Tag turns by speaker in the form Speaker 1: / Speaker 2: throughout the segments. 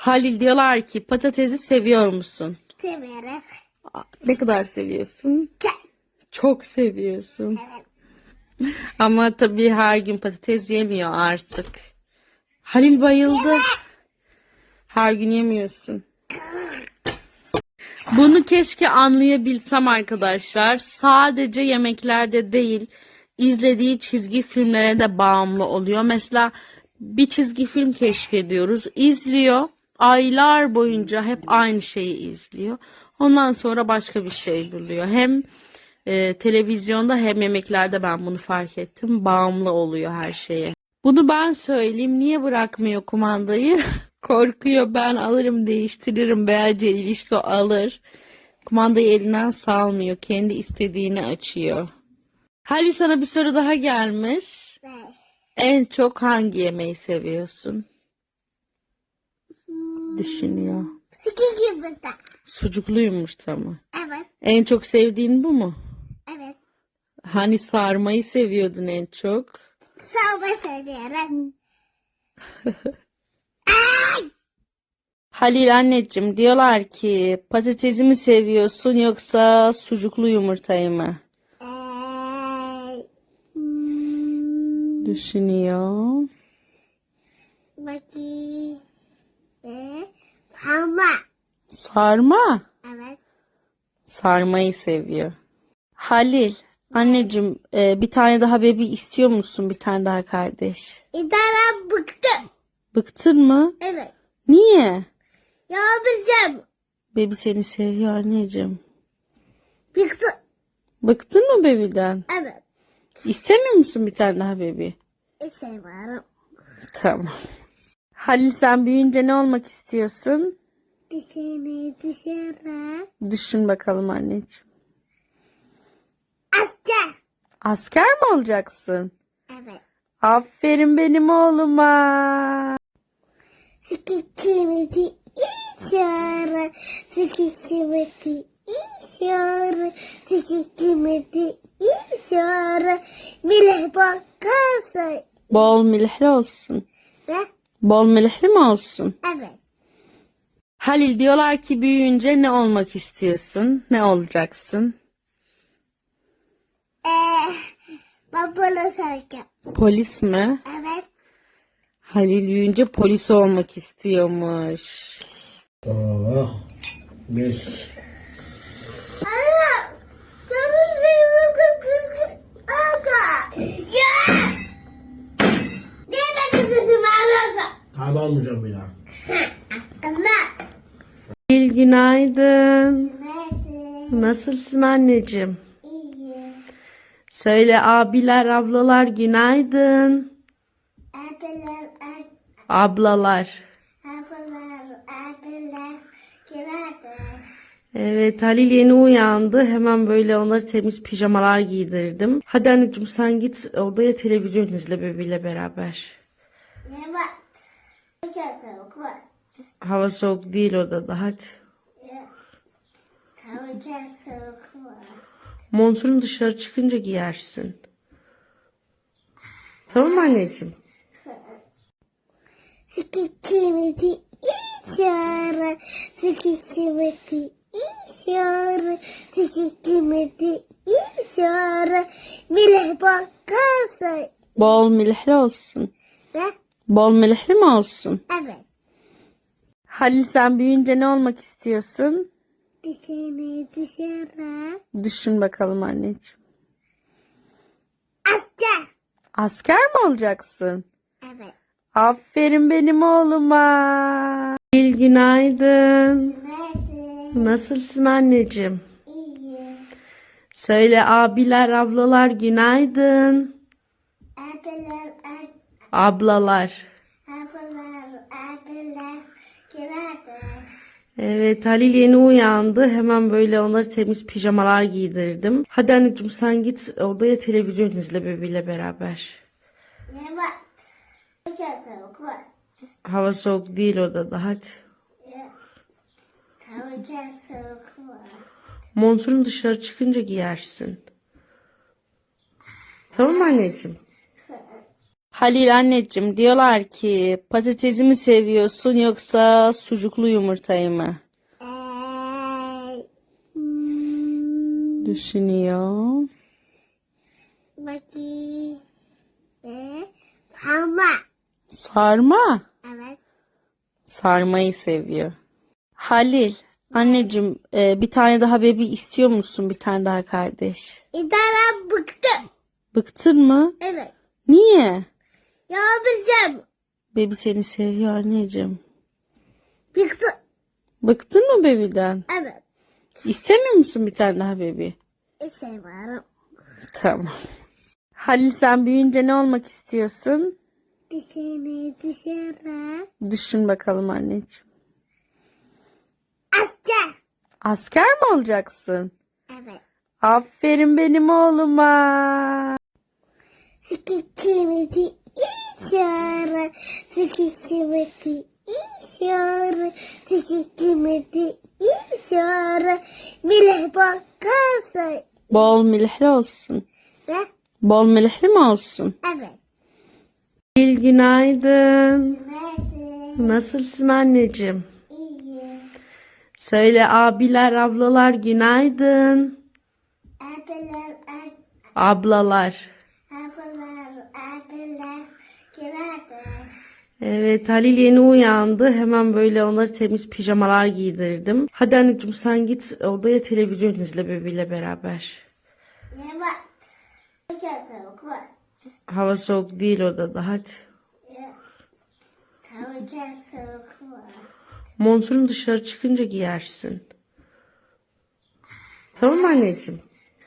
Speaker 1: Halil diyorlar ki patatesi seviyor musun?
Speaker 2: Severim.
Speaker 1: Ne kadar seviyorsun? Çok seviyorsun.
Speaker 2: Evet.
Speaker 1: Ama tabii her gün patates yemiyor artık. Halil bayıldı. Her gün yemiyorsun. Bunu keşke anlayabilsem arkadaşlar. Sadece yemeklerde değil, izlediği çizgi filmlere de bağımlı oluyor. Mesela bir çizgi film keşfediyoruz, izliyor. Aylar boyunca hep aynı şeyi izliyor. Ondan sonra başka bir şey buluyor. Hem televizyonda hem yemeklerde ben bunu fark ettim. Bağımlı oluyor her şeye. Bunu ben söyleyeyim. Niye bırakmıyor kumandayı? Korkuyor. Ben alırım, değiştiririm. Veya Celilişko alır. Kumandayı elinden salmıyor. Kendi istediğini açıyor. Halil, sana bir soru daha gelmiş.
Speaker 2: Evet.
Speaker 1: En çok hangi yemeği seviyorsun? Düşünüyor.
Speaker 2: Sıkı gibi de.
Speaker 1: Sucuklu yumurta mı?
Speaker 2: Evet.
Speaker 1: En çok sevdiğin bu mu?
Speaker 2: Evet.
Speaker 1: Hani sarmayı seviyordun en çok?
Speaker 2: Salma seviyorum.
Speaker 1: Halil anneciğim, diyorlar ki patatesi mi seviyorsun yoksa sucuklu yumurtayı mı? Düşünüyor.
Speaker 2: Bakayım. Salma.
Speaker 1: Sarma.
Speaker 2: Evet.
Speaker 1: Sarmayı seviyor. Halil anneciğim, bir tane daha bebi istiyor musun? Bir tane daha kardeş.
Speaker 2: İdara bıktım.
Speaker 1: Bıktın mı?
Speaker 2: Evet.
Speaker 1: Niye?
Speaker 2: Ya bizim.
Speaker 1: Bebi seni seviyor anneciğim.
Speaker 2: Bıktım.
Speaker 1: Bıktın mı bebiden?
Speaker 2: Evet.
Speaker 1: İstemiyor musun bir tane daha bebi?
Speaker 2: Seviyorum.
Speaker 1: Tamam. Halil, sen büyüyünce ne olmak istiyorsun?
Speaker 2: Dışarı.
Speaker 1: Düşün bakalım anneciğim.
Speaker 2: Asker.
Speaker 1: Asker mi olacaksın?
Speaker 2: Evet.
Speaker 1: Aferin benim oğluma.
Speaker 2: Sikikimiti dışarı. Sikikimiti dışarı. Sikikimiti dışarı. Milih bakası.
Speaker 1: Bol milihli olsun.
Speaker 2: Ne?
Speaker 1: Bol milihli mi olsun?
Speaker 2: Evet.
Speaker 1: Halil, diyorlar ki büyüyünce ne olmak istiyorsun? Ne olacaksın?
Speaker 2: Babana saracağım.
Speaker 1: Polis mi?
Speaker 2: Evet.
Speaker 1: Halil büyüyünce polis olmak istiyormuş.
Speaker 3: Oh, mis.
Speaker 2: Ana! Ya! Niye benim kızımı arıyorsun?
Speaker 3: Tamam almayacağım bir daha.
Speaker 2: Kızlar.
Speaker 1: Halil, günaydın.
Speaker 2: Nerede?
Speaker 1: Nasılsın anneciğim?
Speaker 2: İyi.
Speaker 1: Söyle, abiler, ablalar günaydın.
Speaker 2: Abiler,
Speaker 1: Ablalar.
Speaker 2: abiler, günaydın.
Speaker 1: Evet, Halil yeni uyandı. Hemen böyle onları temiz pijamalar giydirdim. Hadi anneciğim, sen git odaya, televizyon izle bebeğiyle beraber.
Speaker 2: Ne var? Çok var.
Speaker 1: Hava soğuk değil odada, hadi.
Speaker 2: Çok var.
Speaker 1: Montunu dışarı çıkınca giyersin. Tamam mı anneciğim?
Speaker 2: Sikikimiti dışarı. Sikikimiti dışarı. Sikikimiti dışarı. Milih bakası.
Speaker 1: Bol milihli olsun.
Speaker 2: Ne?
Speaker 1: Bol milihli mi olsun?
Speaker 2: Evet.
Speaker 1: Halil, sen büyüyünce ne olmak istiyorsun?
Speaker 2: Dışarı.
Speaker 1: Düşün bakalım anneciğim.
Speaker 2: Asker.
Speaker 1: Asker mi olacaksın?
Speaker 2: Evet.
Speaker 1: Aferin benim oğluma. Halil, günaydın.
Speaker 2: Nerede?
Speaker 1: Nasılsın anneciğim?
Speaker 2: İyi.
Speaker 1: Söyle, abiler, ablalar günaydın.
Speaker 2: Abiler,
Speaker 1: Ablalar.
Speaker 2: abiler, günaydın.
Speaker 1: Evet, Halil yeni uyandı. Hemen böyle onları temiz pijamalar giydirdim. Hadi anneciğim, sen git odaya, televizyon izle bebeğiyle beraber.
Speaker 2: Ne var? Çok var.
Speaker 1: Hava soğuk değil odada, hadi.
Speaker 2: Çok var.
Speaker 1: Montunu dışarı çıkınca giyersin. Tamam mı anneciğim? Halil anneciğim diyorlar ki patatesi mi seviyorsun yoksa sucuklu yumurtayı mı? Düşünüyor.
Speaker 2: Bakayım. Parma.
Speaker 1: Sarma.
Speaker 2: Evet.
Speaker 1: Sarmayı seviyor. Halil anneciğim bir tane daha bebi istiyor musun? Bir tane daha kardeş.
Speaker 2: İdare bıktım.
Speaker 1: Bıktın mı?
Speaker 2: Evet.
Speaker 1: Niye?
Speaker 2: Yapabileceğim.
Speaker 1: Bebi seni seviyor anneciğim.
Speaker 2: Bıktım.
Speaker 1: Bıktın mı bebiden?
Speaker 2: Evet.
Speaker 1: İstemiyor musun bir tane daha bebi?
Speaker 2: İstemiyorum.
Speaker 1: Tamam. Halil sen büyüyünce ne olmak istiyorsun?
Speaker 2: Dışarı.
Speaker 1: Düşün bakalım anneciğim.
Speaker 2: Asker.
Speaker 1: Asker mi olacaksın?
Speaker 2: Evet.
Speaker 1: Aferin benim oğluma.
Speaker 2: Sikikimiti dışarı. Sikikimiti dışarı. Sikikimiti dışarı. Milih bakası.
Speaker 1: Bol milihli olsun.
Speaker 2: Ne?
Speaker 1: Bol milihli mi olsun?
Speaker 2: Evet.
Speaker 1: Günaydın.
Speaker 2: Nerede?
Speaker 1: Nasılsın anneciğim?
Speaker 2: İyi.
Speaker 1: Söyle abiler, ablalar günaydın.
Speaker 2: Abiler,
Speaker 1: Ablalar.
Speaker 2: abiler, nerede?
Speaker 1: Evet Halil yeni uyandı. Hemen böyle ona temiz pijamalar giydirdim. Hadi anneciğim sen git odaya televizyon izle bebeğiyle beraber.
Speaker 2: Ne var? Soğuk var.
Speaker 1: Hava soğuk değil odada hadi.
Speaker 2: Soğuk var.
Speaker 1: Montunu dışarı çıkınca giyersin. Tamam mı anneciğim?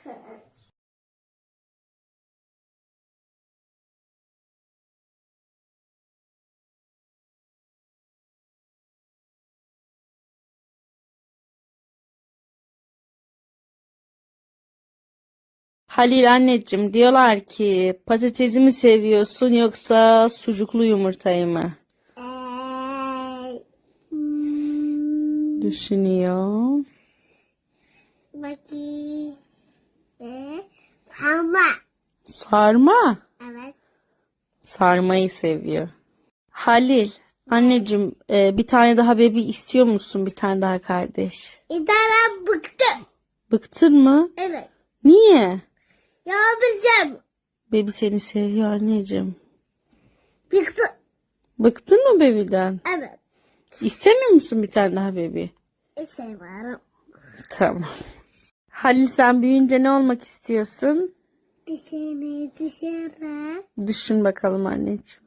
Speaker 1: Halil anneciğim diyorlar ki patatesi mi seviyorsun yoksa sucuklu yumurtayı mı? Düşünüyor.
Speaker 2: Bakayım. Parma.
Speaker 1: Sarma.
Speaker 2: Evet.
Speaker 1: Sarmayı seviyor. Halil anneciğim bir tane daha bebi istiyor musun? Bir tane daha kardeş.
Speaker 2: İdare bıktım.
Speaker 1: Bıktın mı?
Speaker 2: Evet.
Speaker 1: Niye?
Speaker 2: Yapabileceğim.
Speaker 1: Bebi seni seviyor anneciğim.
Speaker 2: Bıktım.
Speaker 1: Bıktın mı bebiden?
Speaker 2: Evet.
Speaker 1: İstemiyor musun bir tane daha bebi?
Speaker 2: İstemiyorum.
Speaker 1: Tamam. Halil sen büyüyünce ne olmak istiyorsun?
Speaker 2: Dışarı.
Speaker 1: Düşün bakalım anneciğim.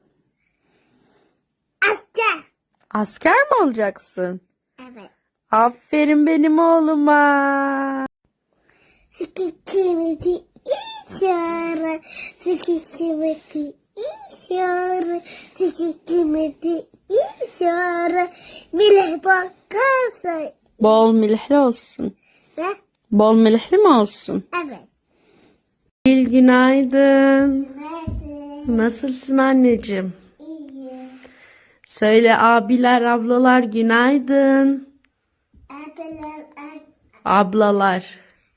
Speaker 2: Asker.
Speaker 1: Asker mi olacaksın?
Speaker 2: Evet.
Speaker 1: Aferin benim oğluma.
Speaker 2: Sikikimiti dışarı. Sikikimiti dışarı. Sikikimiti dışarı. Milih bakası.
Speaker 1: Bol milihli olsun.
Speaker 2: Ne?
Speaker 1: Bol milihli mi olsun?
Speaker 2: Evet.
Speaker 1: Günaydın.
Speaker 2: Nerede?
Speaker 1: Nasılsın anneciğim?
Speaker 2: İyi.
Speaker 1: Söyle abiler, ablalar günaydın.
Speaker 2: Abiler,
Speaker 1: Ablalar.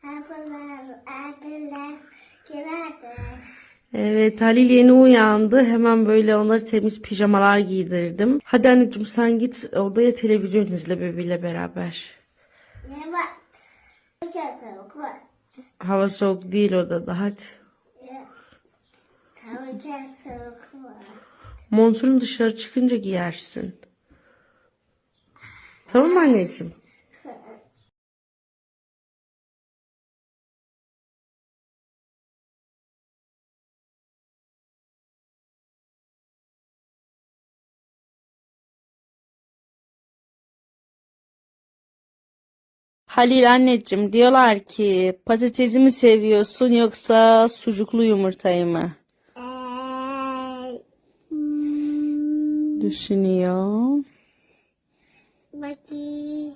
Speaker 2: abiler, nerede?
Speaker 1: Evet Halil yeni uyandı. Hemen böyle ona temiz pijamalar giydirdim. Hadi anneciğim sen git odaya televizyon izle bebeğiyle beraber.
Speaker 2: Ne var? Soğuk var.
Speaker 1: Hava soğuk değil odada hadi.
Speaker 2: Soğuk var.
Speaker 1: Montunu dışarı çıkınca giyersin. Tamam mı anneciğim? Halil anneciğim diyorlar ki patatesi mi seviyorsun yoksa sucuklu yumurtayı mı? Düşünüyor.
Speaker 2: Bakayım.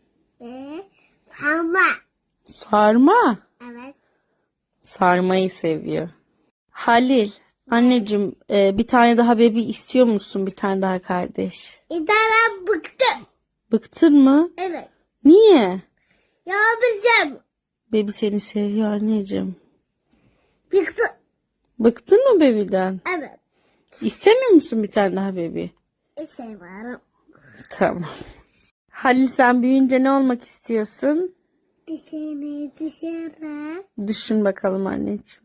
Speaker 2: Parma.
Speaker 1: Sarma.
Speaker 2: Evet.
Speaker 1: Sarmayı seviyor. Halil anneciğim bir tane daha bebi istiyor musun? Bir tane daha kardeş.
Speaker 2: İdare bıktım.
Speaker 1: Bıktın mı?
Speaker 2: Evet.
Speaker 1: Niye?
Speaker 2: Yapabileceğim.
Speaker 1: Bebi seni seviyor anneciğim.
Speaker 2: Bıktım.
Speaker 1: Bıktın mı bebiden?
Speaker 2: Evet.
Speaker 1: İstemiyor musun bir tane daha bebi?
Speaker 2: İstemiyorum.
Speaker 1: Tamam. Halil sen büyüyünce ne olmak istiyorsun?
Speaker 2: Dışarı.
Speaker 1: Düşün bakalım anneciğim.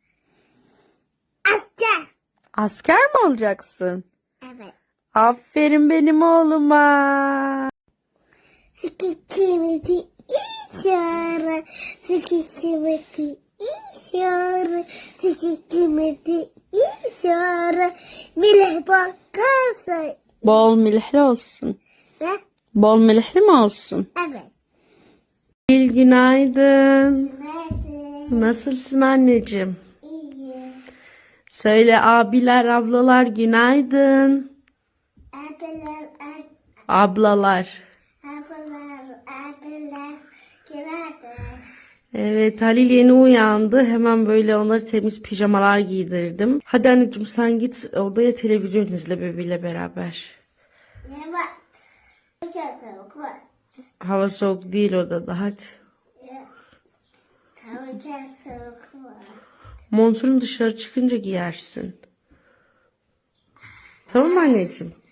Speaker 2: Asker.
Speaker 1: Asker mi olacaksın?
Speaker 2: Evet.
Speaker 1: Aferin benim oğluma.
Speaker 2: Sikikimiti dışarı. Sikikimiti dışarı. Sikikimiti dışarı. Milih bakası.
Speaker 1: Bol milihli olsun.
Speaker 2: Ne?
Speaker 1: Bol milihli mi olsun?
Speaker 2: Evet.
Speaker 1: Günaydın.
Speaker 2: Nerede?
Speaker 1: Nasılsın anneciğim?
Speaker 2: İyi.
Speaker 1: Söyle abiler, ablalar günaydın.
Speaker 2: Abiler,
Speaker 1: Ablalar.
Speaker 2: abiler, günaydın.
Speaker 1: Evet Halil yeni uyandı. Hemen böyle onları temiz pijamalar giydirdim. Hadi anneciğim sen git odaya televizyon izle bebeğiyle beraber.
Speaker 2: Ne var? Çok soğuk var.
Speaker 1: Hava soğuk değil odada hadi.
Speaker 2: Çok soğuk var.
Speaker 1: Montunu dışarı çıkınca giyersin. Tamam mı anneciğim?